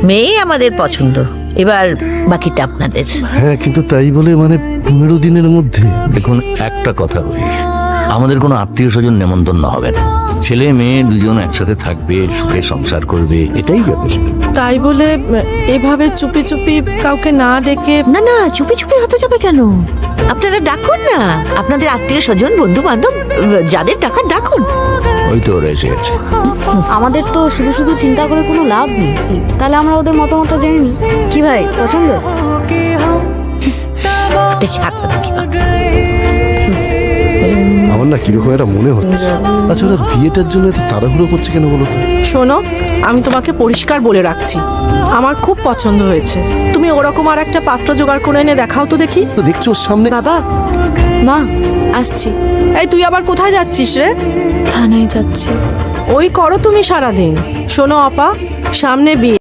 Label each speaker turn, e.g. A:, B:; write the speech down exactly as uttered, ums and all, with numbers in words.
A: মেয়ে আমাদের পছন্দ, এবার বাকিটা আপনাদের।
B: হ্যাঁ, কিন্তু তাই বলে মানে পনেরো দিনের মধ্যে?
C: দেখুন, একটা কথা বলি, আমাদের কোনো আত্মীয় স্বজন নেমন্তন্ন হবে না। ছেলে মেয়ে দুজন একসাথে থাকবে, সুখে সংসার করবে, এটাই যথেষ্ট।
D: তাই বলে এভাবে চুপি চুপি কাউকে না ডেকে?
A: না না, চুপি চুপি হতে যাবে কেন? আপনারা ডাকুন না, আপনাদের আত্মীয় স্বজন বন্ধু বান্ধব যাদের ডাকার ডাকুন।
C: ওই তো ওরা এসে গেছে।
E: আমাদের তো শুধু শুধু চিন্তা করে কোনো লাভ নেই, তাহলে আমরা ওদের মতামত জেনে নিই। কি ভাই, পছন্দ?
A: দেখি হাতটা দেখি।
B: আমার না কিরকম একটা মনে হচ্ছে। আচ্ছা, ওরা বিয়েটার জন্য এত তাড়াহুড়ো করছে কেন বলো তো?
D: শোনো, আমি তোমাকে পরিষ্কার বলে রাখছি, আমার খুব পছন্দ হয়েছে। তুমি ওরকম আর একটা পাত্র জোগাড় করে এনে দেখাও তো দেখি।
B: তো দেখছো ওর সামনে।
E: বাবা, মা, আসছি।
D: এই তুই আবার কোথায় যাচ্ছিস রে?
E: থানায় যাচ্ছি।
D: ওই করো তুমি সারাদিন। শোনো আপা, সামনে বিয়ে।